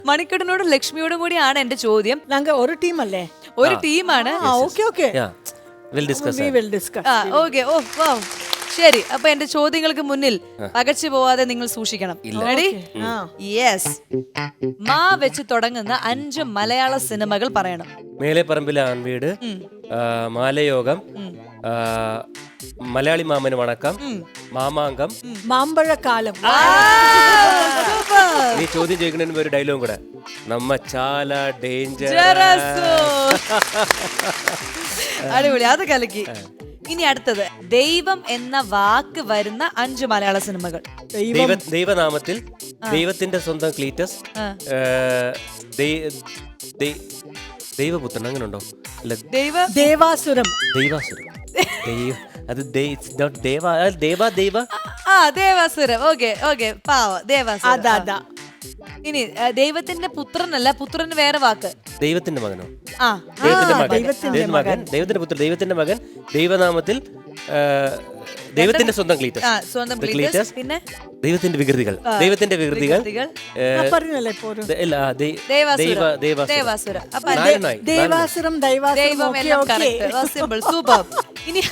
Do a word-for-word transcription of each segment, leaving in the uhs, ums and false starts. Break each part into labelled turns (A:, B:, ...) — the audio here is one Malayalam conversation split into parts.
A: മണിക്കണ്ണനോടും ലക്ഷ്മിയോടും കൂടിയാണ് എന്റെ ചോദ്യം.
B: ഞങ്ങൾ ഒരു ടീം അല്ലേ?
A: ഒരു ടീമാണ്.
B: Okay okay
A: okay. ഓ വാ ശരി. അപ്പൊ എന്റെ ചോദ്യങ്ങൾക്ക് മുന്നിൽ പകച്ചു പോവാതെ നിങ്ങൾ സൂക്ഷിക്കണം. റെഡി? യെസ്. മാ വെച്ച് തുടങ്ങുന്ന അഞ്ച് മലയാള സിനിമകൾ പറയണം.
C: മേലെ പറമ്പിലെ ആൺവീട്, മാലയോഗം, മലയാളി മാമന് വണക്കം, മാമാങ്കം,
B: മാമ്പഴക്കാലം.
C: നീ ചോദ്യം ചോദിക്കുന്നതിന് ഒരു ഡയലോഗും കൂടെ. നമ്മ ചാല ഡേഞ്ചർ.
A: അടിപൊളി, അത് കലക്കി. ഇനി അടുത്തത് ദൈവം എന്ന വാക്ക് വരുന്ന അഞ്ച് മലയാള സിനിമകൾ.
C: ദൈവനാമത്തിൽ, ദൈവത്തിന്റെ സ്വന്തം ക്ലീറ്റസ്, ദൈവപുത്രൻ, അങ്ങനെ ഉണ്ടോ?
B: ദേവാസുരം.
C: ദൈവാസുരം. അത് ദേവ ദേവ
A: ആ ദേവാസുരം. Okay okay. പാവ ദേവാസുരം. ഇനി ദൈവത്തിന്റെ പുത്രനല്ല, പുത്രന് വേറെ വാക്ക്.
C: ദൈവത്തിന്റെ മകനോ?
A: ആ
C: ദൈവത്തിന്റെ മകൻ, മകൻ, ദൈവത്തിന്റെ പുത്രൻ, ദൈവത്തിന്റെ മകൻ, ദൈവനാമത്തിൽ, ദൈവത്തിന്റെ സ്വന്തം ക്ലീറ്റസ്,
A: സ്വന്തം ക്ലീറ്റസ്, പിന്നെ
C: ദൈവത്തിന്റെ വികൃതികൾ, ദൈവത്തിന്റെ വികൃതികൾ,
A: ദേവാസുരം.
B: ദേവാസുരം
A: ദൈവം എല്ലാം കറക്റ്റ്. Simple, super. ഇനി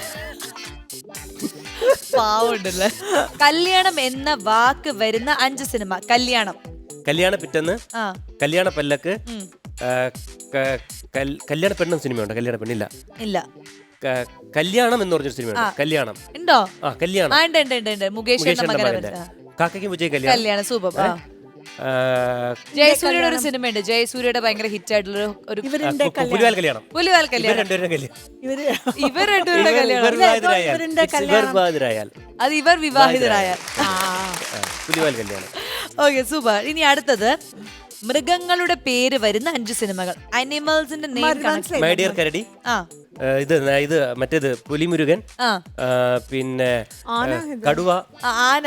A: പാവുണ്ടല്ലേ. കല്യാണം എന്ന വാക്ക് വരുന്ന അഞ്ച് സിനിമ. കല്യാണം,
C: കല്യാണ പിറ്റന്ന്, കല്യാണ പല്ലക്ക്, കല്യാണ പെണ്ണെന്ന സിനിമയുണ്ട്. കല്യാണ പെണ്ണില്ല.
A: ഇല്ല.
C: കല്യാണം എന്ന് പറഞ്ഞൊരു സിനിമയുണ്ട്. കല്യാണം
A: ഉണ്ടോ?
C: ആ കല്യാണം.
A: മുകേഷ്
C: കാക്കയ്ക്കും വിജയ്
A: കല്യാണം. സൂപ്പർ. ജയസൂര്യയുടെ ഒരു സിനിമയുണ്ട്. ജയസൂര്യയുടെ ഭയങ്കര ഹിറ്റ് ആയിട്ടുള്ള ഒരു
C: പുലിവാൽ കല്യാണം.
A: പുലിവാൽ കല്യാണം. ഇവർ രണ്ടുപേരുടെ കല്യാണം. അത് ഇവർ വിവാഹിതരായാൽ.
C: പുലിവാൽ കല്യാണം.
A: Okay, super. ഇനി അടുത്തത് മൃഗങ്ങളുടെ പേര് വരുന്ന അഞ്ച് സിനിമകൾ. അനിമൽസിന്റെ നെയിം.
C: മൈ ഡിയർ കരടി, ഇത് ഇത് മറ്റേത് പുലിമുരുകൻ, പിന്നെ കടുവ,
A: ആന,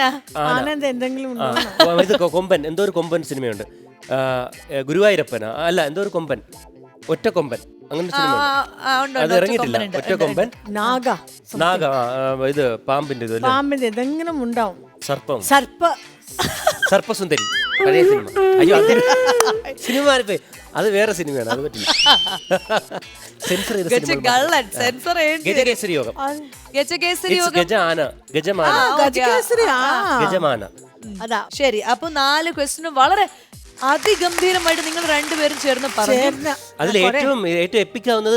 C: ഇത് കൊമ്പൻ, എന്തോ ഒരു കൊമ്പൻ സിനിമയുണ്ട്. ഗുരുവായൂരപ്പന അല്ല, എന്തോ ഒരു കൊമ്പൻ, ഒറ്റ കൊമ്പൻ, അങ്ങനെ സിനിമ. അത് ഇറങ്ങിയിട്ടില്ല. ഒറ്റ കൊമ്പൻ,
B: നാഗ,
C: നാഗ, ഇത് പാമ്പിന്റെ ഇത്,
B: പാമ്പിന്റെ എന്തെങ്കിലും ഉണ്ടാവും.
C: സർപ്പം,
B: സർപ്പ
C: സർപ്പസുന്ദരി, പഴയ സിനിമ. അയ്യോ, സിനിമ അത് വേറെ സിനിമയാണ്, അത് പറ്റില്ല. സെൻസർ ചെയ്ത
A: ഗജകേസരി യോഗം,
C: ഗജാന, ഗജമാന, ഗജമാന.
A: അതാ ശരി. അപ്പൊ നാല് ക്വസ്റ്റ്യനും വളരെ അതിഗംഭീരമായിട്ട് നിങ്ങൾ രണ്ടുപേരും ചേർന്ന് പറഞ്ഞു.
C: അതിൽ ഏറ്റവും ഏറ്റവും എപ്പിക്കാവുന്നത്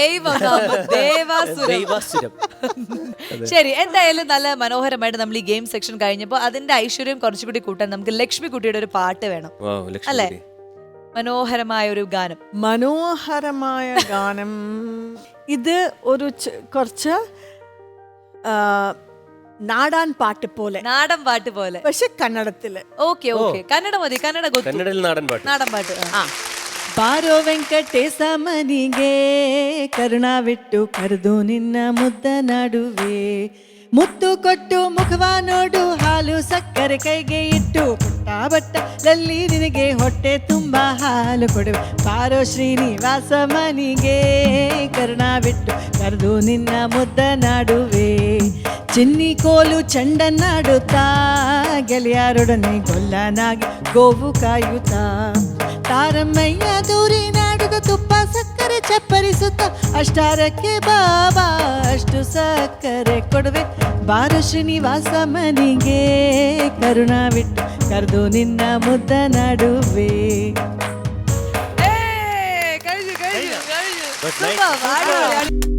C: ദൈവാസുരം.
A: ശരി, എന്തായാലും നല്ല മനോഹരമായിട്ട് നമ്മൾ ഈ ഗെയിം സെക്ഷൻ കഴിഞ്ഞപ്പോൾ അതിന്റെ ഐശ്വര്യം കുറച്ചുകൂടി കൂട്ടാൻ നമുക്ക് ലക്ഷ്മി കുട്ടിയുടെ ഒരു പാട്ട് വേണം അല്ലേ? മനോഹരമായ ഒരു ഗാനം.
B: മനോഹരമായ ഗാനം. ഇത് ഒരു കുറച്ച് നാടൻ പാട്ട് പോലെ,
A: നാടൻ പാട്ട് പോലെ,
B: പക്ഷെ കന്നഡത്തില്.
A: ഓക്കെ ഓക്കെ, കന്നഡ മതി. കന്നഡ
C: കന്നഡയിൽ നാടൻ പാട്ട്.
A: നാടൻ പാട്ട്.
B: ಬಾರೋ ವೆಂಕಟೇಶ ಮನಿಗೆ ಕರುಣಾವಿಟ್ಟು ಕರೆದು ನಿನ್ನ ಮುದ್ದ ನಡುವೆ, ಮುತ್ತು ಕೊಟ್ಟು ಮುಖವ ನೋಡು, ಹಾಲು ಸಕ್ಕರೆ ಕೈಗೆ ಇಟ್ಟು ಪುಟ್ಟ ಬಟ್ಟಲಲ್ಲಿ ನಿನಗೆ ಹೊಟ್ಟೆ ತುಂಬ ಹಾಲು ಕೊಡುವೆ. ಬಾರೋ ಶ್ರೀನಿವಾಸ ಮನಿಗೆ ಕರುಣಾವಿಟ್ಟು ಕರೆದು ನಿನ್ನ ಮುದ್ದ ನಡುವೆ, ಚಿನ್ನಿ ಕೋಲು ಚೆಂಡನ್ನಾಡುತ್ತಾ ಗೆಳೆಯರೊಡನೆ ಗೊಲ್ಲನಾಗಿ ಗೋವು ಕಾಯುತ್ತಾ, ತಾರಮ್ಮಯ್ಯ ದೂರಿ ನಾಡುದ ತುಪ್ಪ ಸಕ್ಕರೆ ಚಪ್ಪರಿಸುತ್ತ, ಅಷ್ಟಾರಕ್ಕೆ ಬಾಬಾ ಅಷ್ಟು ಸಕ್ಕರೆ ಕೊಡುವೆ. ಬಾರೋ ಶ್ರೀನಿವಾಸ ಮನಿಗೆ ಕರುಣಾವಿಟ್ಟು ಕರೆದು ನಿನ್ನ ಮುದ್ದ ನಡುವೆ.
A: കഴിഞ്ഞു കഴിഞ്ഞു കഴിഞ്ഞു.